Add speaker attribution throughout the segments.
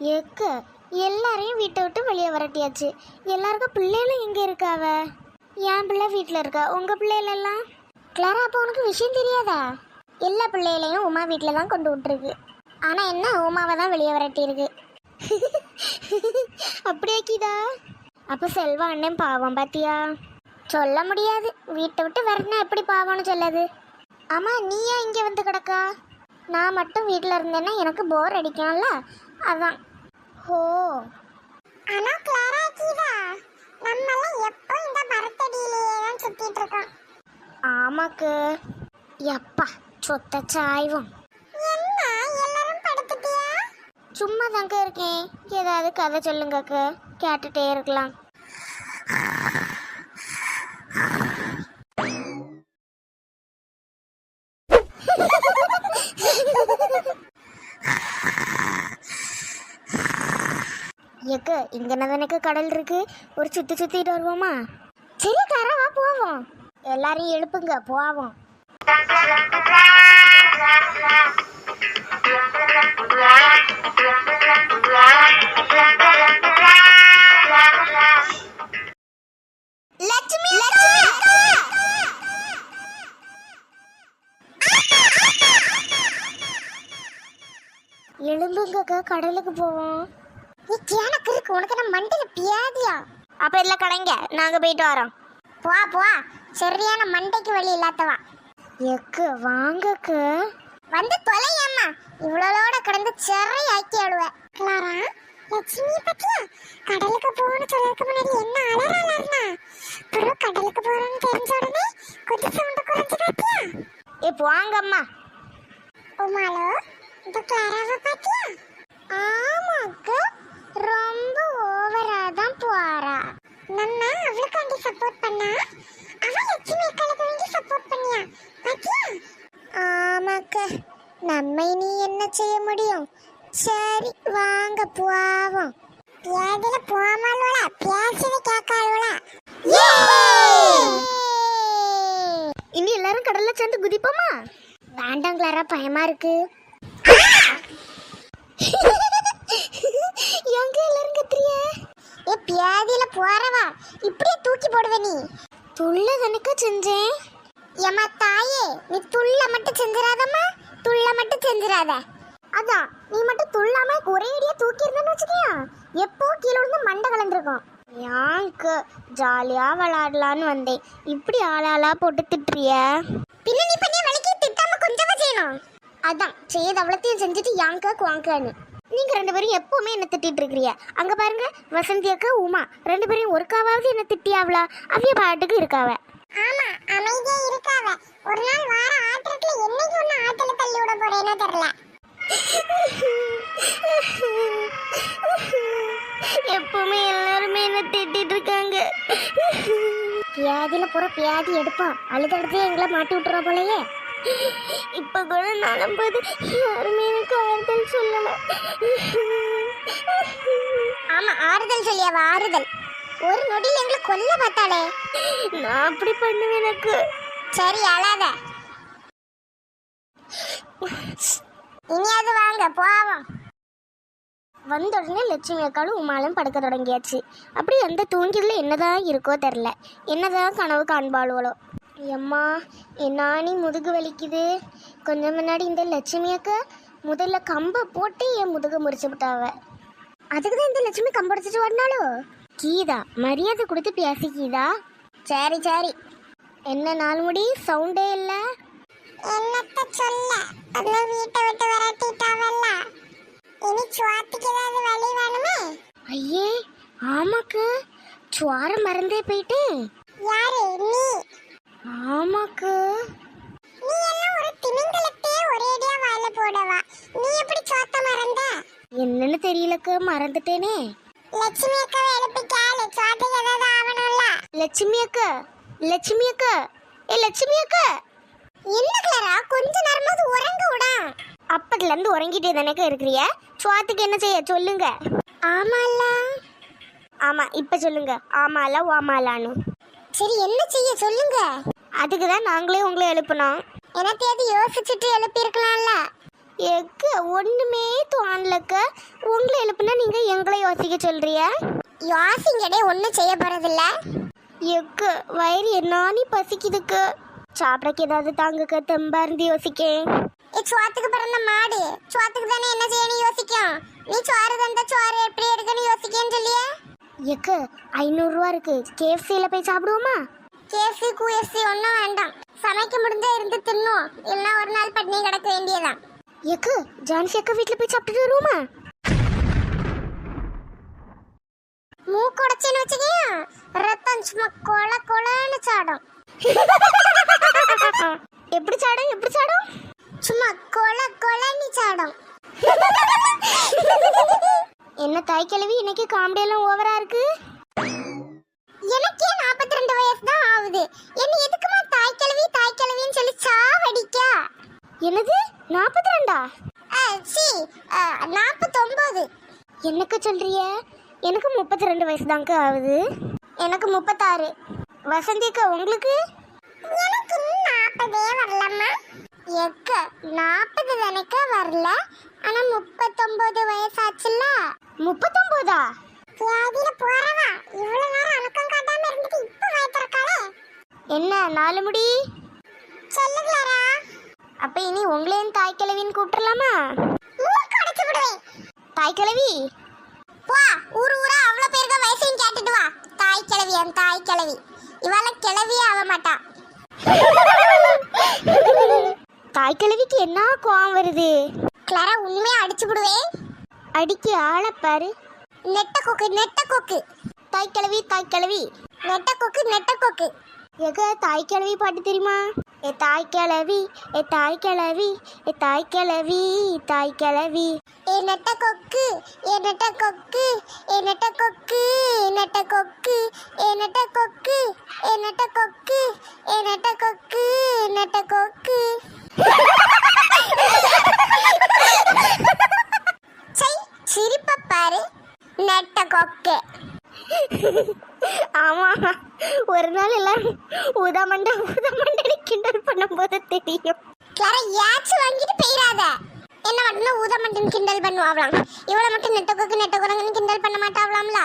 Speaker 1: எக்க எல்லாரையும் வீட்டை விட்டு வெளியே வரட்டியாச்சு. எல்லாருக்கும் பிள்ளைகளும் எங்கே இருக்காவ? என் பிள்ளை வீட்டில் இருக்கா. உங்கள் பிள்ளைகளெல்லாம்? கிளாரா, அப்போ உனக்கு விஷயம் தெரியாதா? எல்லா பிள்ளைகளையும் உமா வீட்டில் தான் கொண்டு விட்டுருக்கு. ஆனால் என்ன, உமாவை தான் வெளியே வரட்டியிருக்கு. அப்படியாக்கிதா? அப்போ செல்வா அண்ணன் பாவம் பாத்தியா? சொல்ல முடியாது, வீட்டை விட்டு வரனா எப்படி பாவம்னு சொல்லாது. ஆமாம், நீ ஏன் இங்கே வந்து கிடக்கா? நான் மட்டும் வீட்டில் இருந்தேன்னா எனக்கு போர் அடிக்கும்ல, அதான். ஓ,
Speaker 2: ஆனால் கிளாரா கீதா, நம்மளாம் எப்போ இந்த மரத்தடியிலேயே தான் சுற்றிட்டு இருக்கோம்.
Speaker 1: ஆமாக்கு. எப்பா சொத்த சாய்வும்.
Speaker 2: என்ன எல்லாரும் படுத்துட்டியா?
Speaker 1: சும்மா தாங்க இருக்கேன். ஏதாவது கதை சொல்லுங்கக்கு, கேட்டுட்டே இருக்கலாம். எக்கு இங்க எனக்கு கடல் இருக்கு, ஒரு சுத்திட்டு வருவோமா? சரி தர, வா போவோம். எல்லாரையும் எழுப்புங்க, போவோம். எழும்புங்கக்கா, கடலுக்கு போவோம்.
Speaker 2: எனக்கு இருக்கு, உனக்கு நம்ம மண்டையில பியாதியா?
Speaker 1: அப்ப இல்ல கடைங்க, நாங்க போயிட்டு வரோம்.
Speaker 2: போ சரியான மண்டைக்கு வழி இல்லாதவா.
Speaker 1: எக்கு வாங்கக்கு.
Speaker 2: வந்து தொலையம்மா, இவ்வளோட கடந்து செறை ஆக்கி ஆடுவ. கிளாரா, லட்சுமி பத்தியா கடலுக்கு போகணும்னு சொல்றதுக்கு முன்னாடி என்ன அலறலன்னா, அப்புறம் கடலுக்கு போறோம்னு தெரிஞ்ச உடனே கொஞ்சம் சவுண்ட் குறைஞ்சு பாத்தியா?
Speaker 1: வாங்க அம்மா.
Speaker 2: உமாலோ, இந்த கிளாராவை பாத்தியா?
Speaker 1: ஆமாக்கு, ரொம்ப ஓவரா தான் போறா.
Speaker 2: நம்ம அவளுக்காண்டி சப்போர்ட் பண்ணா, அவ லட்சுமி அக்காளுக்கு வேண்டி சப்போர்ட் பண்ணியா பாத்தியா?
Speaker 1: ஆமாக்க, நம்ம இனி என்ன செய்ய முடியும்? சரி வாங்க போவோம்.
Speaker 2: பியாதில போமாளோல, பியாசவே கேட்காளோல.
Speaker 1: இனி எல்லாரும் கடல்ல சேர்ந்து குதிப்போமா? வேண்டாம் கிளாரா, பயமா இருக்கு. எங்க எல்லாரும் கத்துறிய?
Speaker 2: பியாதில போறவா இப்படியே தூக்கி போடுவ நீ.
Speaker 1: துள்ள தனக்க செஞ்சேன்.
Speaker 2: ஏமா தாயே, நீ துள்ள மட்டும் செஞ்சிராதம்மா, துள்ள மட்டும் செஞ்சிராத.
Speaker 1: அதான், நீ மட்டும் துள்ளாம ஒரேடியா தூக்கி இருந்தேன்னு வச்சுக்கியா, எப்போ கீழே விழுந்து மண்டை கலந்துருக்கும். யாங்க்கு ஜாலியா விளையாடலான்னு வந்தேன், இப்படி ஆளாளா போட்டு திட்டுறிய.
Speaker 2: பின்ன நீ பண்ணி வலிக்கு திட்டாம கொஞ்சமா செய்யணும்.
Speaker 1: அதான் செய்யது அவ்வளோத்தையும் செஞ்சுட்டு யாங்க குவாங்கன்னு. நீங்க ரெண்டு பேரும் எப்பவுமே என்ன திட்டிட்டு இருக்கிறிய. அங்க பாருங்க, வசந்தி அக்கா உமா ரெண்டு பேரும் ஒருக்காவது என்ன திட்டியாவளா? அவிய பாட்டுக்கு இருக்காவ.
Speaker 2: ஆமா, அமைதியா இருக்காவ. ஒரு நாள் வார ஆட்டத்துல என்னைக்கு ஒண்ணு ஆட்டல தள்ளி விட போறேனோ தெரியல.
Speaker 1: எப்பவுமே எல்லாருமே என்ன திட்டிட்டு இருக்காங்க.
Speaker 2: பியாதில போற பியாதி எடுப்பான், அழுதடுத்து எங்களை மாட்டி விட்டுறா போலயே.
Speaker 1: இப்ப கூட நம்பது யாருமே எனக்கு ஆறுதல் சொல்லல.
Speaker 2: ஆமா, ஆறுதல் சொல்லியாவ, ஆறுதல். ஒரு நொடியில் எங்களை கொல்ல பார்த்தாளே.
Speaker 1: நான் அப்படி பண்ணுவேன் எனக்கு.
Speaker 2: சரி அழாத, இனியாவது வாங்க போவோம்.
Speaker 1: வந்த உடனே லட்சுமி அக்காலும் உமாலும் படுக்க தொடங்கியாச்சு. அப்படி அந்த தூங்கில என்னதான் இருக்கோ தெரில, என்னதான் கனவு காண்பாளுவளோ. எம்மா என்ன நீ முதுகு வலிக்குது. கொஞ்சம் முன்னாடி இந்த லட்சுமி அக்கா முதல்ல கம்பை போட்டு என் முதுகு முறிச்சு விட்டாவ. அதுக்கு தான் இந்த லட்சுமி கம்படிச்சிட்டு வரனாலோ. கீதா, மரியாதை கொடுத்து பேசி கீதா. சரி சரி. என்ன நாலு முடி சவுண்டே இல்லை.
Speaker 2: என்னத்த சொல்ல, அந்த வீட்டை விட்டு விரட்டிட்டாவல்ல, இனி சுவாத்திக்கு ஏதாவது வழி வேணுமே.
Speaker 1: ஐயே ஆமாக்கு, சுவார மறந்தே போயிட்டேன்.
Speaker 2: யாரு நீ?
Speaker 1: ஆமாக்கு.
Speaker 2: நீ எல்லாம் ஒரு திமிங்கலத்தையே ஒரேடியா வாயில போடவா, நீ எப்படி சோத்த மறந்த?
Speaker 1: என்னன்னு தெரியலக்கு, மறந்துட்டேனே.
Speaker 2: லட்சுமி அக்காவை எழுப்பி கேளு, சோத்துக்கு ஏதாவது ஆவணும்ல.
Speaker 1: லட்சுமி அக்கா, லட்சுமி அக்கா, ஏ லட்சுமி அக்கா.
Speaker 2: என்ன கிளாரா, கொஞ்ச நேரமாவது உறங்க விடா.
Speaker 1: அப்பத்துல இருந்து உறங்கிட்டே தானே இருக்கிறிய, சுவாத்துக்கு என்ன செய்ய சொல்லுங்க.
Speaker 2: ஆமால.
Speaker 1: ஆமா இப்ப சொல்லுங்க, ஆமால ஓமாலான்னு.
Speaker 2: சரி என்ன செய்ய சொல்லுங்க.
Speaker 1: அதுக்கு தான் நாங்களே உங்களை எழுப்பினோம்.
Speaker 2: என்னத்தையாவது யோசிச்சுட்டு எழுப்பி இருக்கலாம்ல.
Speaker 1: எக்கு ஒண்ணுமே தோணலக்க. உங்களை எழுப்புனா எங்களை யோசிக்க சொல்றிய?
Speaker 2: யோசிங்கடே ஒன்றும் செய்ய போறதில்ல.
Speaker 1: எக்கு வயிறு என்னானி பசிக்குதுக்கு. சாப்பிடக்கு ஏதாவது தாங்குக்க தெம்பா இருந்து யோசிக்கேன்.
Speaker 2: சோத்துக்கு பிறந்த மாடு சோத்துக்கு தானே என்ன செய்யணும் யோசிக்கும். நீ சோறு தந்த சோறு எப்படி எடுக்கணும் யோசிக்கேன்னு சொல்லியே.
Speaker 1: எக்கு 500 ரூபா இருக்கு, KFCல போய் சாப்பிடுவோமா?
Speaker 2: கேசி கூஎஸ்சி ஒன்றும் வேண்டாம். சமைக்க முடிஞ்சா இருந்து தின்னும், இல்லைன்னா ஒரு நாள் பட்னி கிடக்க வேண்டியதான்.
Speaker 1: எக்கு ஜான்சி அக்கா வீட்டுல போய் சாப்பிட்டுட்டு வருவோமா?
Speaker 2: மூக்குடைச்சேன்னு வச்சுக்கியா ரத்தம் சும்மா கொல கொலன்னு சாடும்.
Speaker 1: எப்படி சாடும் எப்படி சாடும்?
Speaker 2: சும்மா கொல கொலன்னு சாடும்.
Speaker 1: என்ன தாய் கிழவி இன்னைக்கு காமெடி எல்லாம் ஓவரா இருக்கு.
Speaker 2: எனக்கே 42 வயசு தான் ஆகுது. என்ன எதுக்குமா தாய் கிழவின்னு சொல்லி சாவடிக்கா?
Speaker 1: என்னது 42?
Speaker 2: சி 49.
Speaker 1: என்னக்க சொல்றிய? எனக்கு 32 வயசு தாங்க ஆகுது. எனக்கு 36. வசந்திக்கா உங்களுக்கு?
Speaker 2: எனக்கு 40 வரலம்மா. எக்க 40 தானக்க வரல, ஆனா 39 வயசாச்சுல்ல.
Speaker 1: 39ஆ?
Speaker 2: வியாதியில போறவா இவ்வளவு நேரம் அணக்கம் காட்டாம இருந்துட்டு இப்ப பயப்பறக்காளே.
Speaker 1: என்ன 4 முடி?
Speaker 2: சொல்லுங்களாரா?
Speaker 1: அப்ப இனி உங்களையும் தாய் கிழவின்னு கூப்பிடலாமா?
Speaker 2: மூக்கு அடைச்சு விடுவேன்.
Speaker 1: தாய் கிழவி
Speaker 2: போ, ஊரா அவ்வளவு பேருக்கு வயசையும் கேட்டுட்டு வா. தாய் கிழவி என் தாய் கிழவி. இவாள கிழவியே ஆக மாட்டா.
Speaker 1: தாய் கிழவிக்கு என்ன கோவம் வருது?
Speaker 2: கிளாரா உண்மையா அடிச்சு விடுவேன்.
Speaker 1: அடிக்க ஆளை பாரு.
Speaker 2: நெட்ட கொக்கு
Speaker 1: தாய் கிழவி
Speaker 2: நெட்ட கொக்கு.
Speaker 1: எங்க தாய் கிழவி பாட்டு தெரியுமா? ஏ தாய் கிழவி ஏ தாய் கிழவி ஏ தாய் கிழவி தாய் கிழவி.
Speaker 2: ஏ நெட்ட கொக்கு ஏ நெட்ட கொக்கு ஏ நெட்ட கொக்கு நெட்ட கொக்கு ஏ நெட்ட கொக்கு ஏ நெட்ட கொக்கு ஏ நெட்ட கொக்கு நெட்ட கொக்கு. சை சிரிப்ப பாரு நெட்ட கொக்கு.
Speaker 1: ஆமா, ஒரு நாள் எல்லாரும் ஊதாமண்டை கிண்டல் பண்ணும்போது தெரியும்.
Speaker 2: கிளாரா யாச்சு வாங்கிட்டு போயிடாத. என்ன மட்டும் ஊதமண்டன் கிண்டல் பண்ணுவாங்களாம், இவளை மட்டும் நெட்ட கொக்குன்னு கிண்டல் பண்ண மாட்டாங்களாம்ல.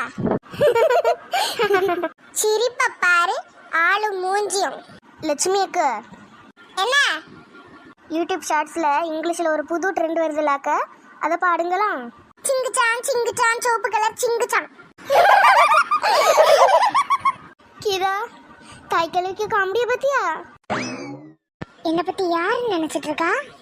Speaker 2: சிரிப்ப பாரு ஆளு மூஞ்சியும்.
Speaker 1: லட்சுமி அக்கா,
Speaker 2: என்ன
Speaker 1: யூடியூப் ஷார்ட்ஸ்ல இங்கிலீஷ்ல ஒரு புது ட்ரெண்ட் வருதுலாக்க, அதை பாடுங்களா?
Speaker 2: சிங்குச்சான் சோப்பு கலர் சிங்குச்சான்.
Speaker 1: கீதா, தாய் கிழவிக்கு காமெடியை பத்தியா?
Speaker 2: என்ன பத்தி யாருன்னு நினைச்சிட்டு இருக்கா?